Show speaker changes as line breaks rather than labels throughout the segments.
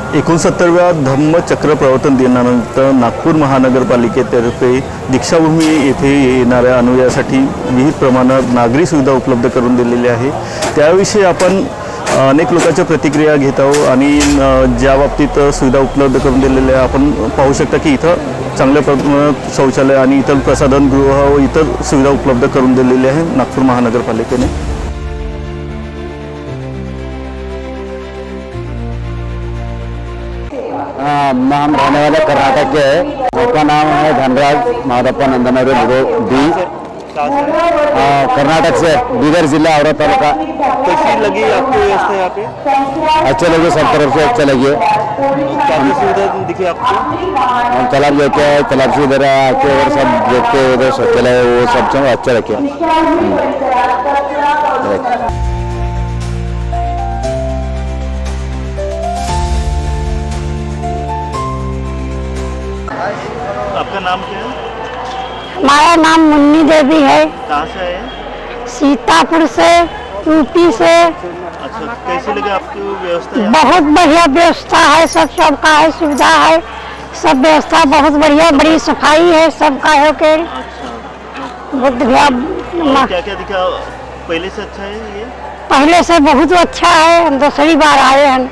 69व्या धम्मचक्र प्रवर्तन दिनानिमित्त नागपूर महानगरपालिकेतर्फे दीक्षाभूमी येथे येणाऱ्या अनुयायासाठी विविध प्रमाणात नागरी सुविधा उपलब्ध करून दिलेली आहे। त्याविषयी आपण अनेक लोकांच्या प्रतिक्रिया घेत आहोत आणि ज्या बाबतीत सुविधा उपलब्ध करून दिलेल्या आपण पाहू शकता की इथं चांगल्या प्रमाणात शौचालय आणि इतर प्रसाधनगृह व इतर सुविधा उपलब्ध करून दिलेली आहे नागपूर महानगरपालिकेने।
हम रहने वाले कर्नाटक के हैं। उसका नाम है धनराज माधप्पा नंदनवरे डी। कर्नाटक से बीदर जिला और तालुका।
कैसी लगी आपको व्यवस्था यहाँ पे?
अच्छे लगे, सब तरफ से अच्छे लगे।
क्या सुविधा दिखी आपको?
हम तालाब लेके आए, तालाब से इधर आके और सब देख के इधर शौचालय वो सब चीज़ अच्छा रखे।
आपका नाम क्या है?
हमारा नाम मुन्नी देवी है।
कहाँ से आए?
सीतापुर से, यूपी से।
अच्छा, कैसी लगी आपकी व्यवस्था यहाँ?
बहुत बढ़िया व्यवस्था है, सबका है, सुविधा है, सब व्यवस्था बहुत बढ़िया, बड़ी सफाई है, सबका है के बहुत बढ़िया।
क्या क्या दिखा? पहले से अच्छा है ये?
पहले से बहुत अच्छा है, हम दूसरी बार आए हैं।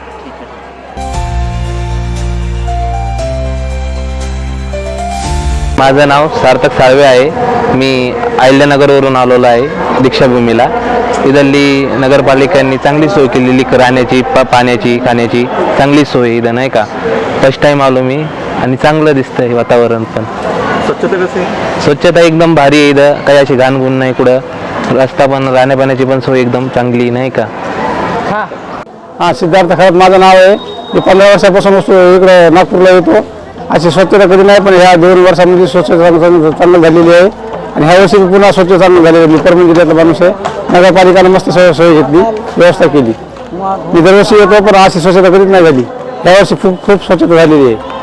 माझं नाव सार्थक साळवे आहे। मी अहिल्यानगरवरून आलेलो आहे दीक्षाभूमीला। इथली नगरपालिकांनी चांगली सोय केलेली, राहण्याची, पाण्याची, खाण्याची चांगली सोय इथं नाही का। फर्स्ट टाइम आलो मी आणि चांगलं दिसतंय वातावरण पण।
स्वच्छता कशी आहे?
स्वच्छता एकदम भारी आहे इथं, काही अशी घाणगुण नाही कुठं। रस्ता पण, राहण्या पाण्याची पण सोय एकदम चांगली नाही का।
हाँ, सिद्धार्थ खरत माझं नाव आहे। मी 15 वर्षापासून इकडे नागपूरला येतो। अशी स्वच्छता कधी नाही, पण ह्या 2 वर्षांमध्ये स्वच्छता चांगली झालेली आहे आणि ह्या वर्षी पुन्हा स्वच्छता चांगली झालेली आहे। मी परभणी जिल्ह्यातला माणूस आहे। नगरपालिकेने मस्त सोय घेतली, व्यवस्था केली। मी दरवर्षी येतो, पण अशी स्वच्छता कधीच नाही झाली। ह्या वर्षी खूप स्वच्छता झालेली आहे।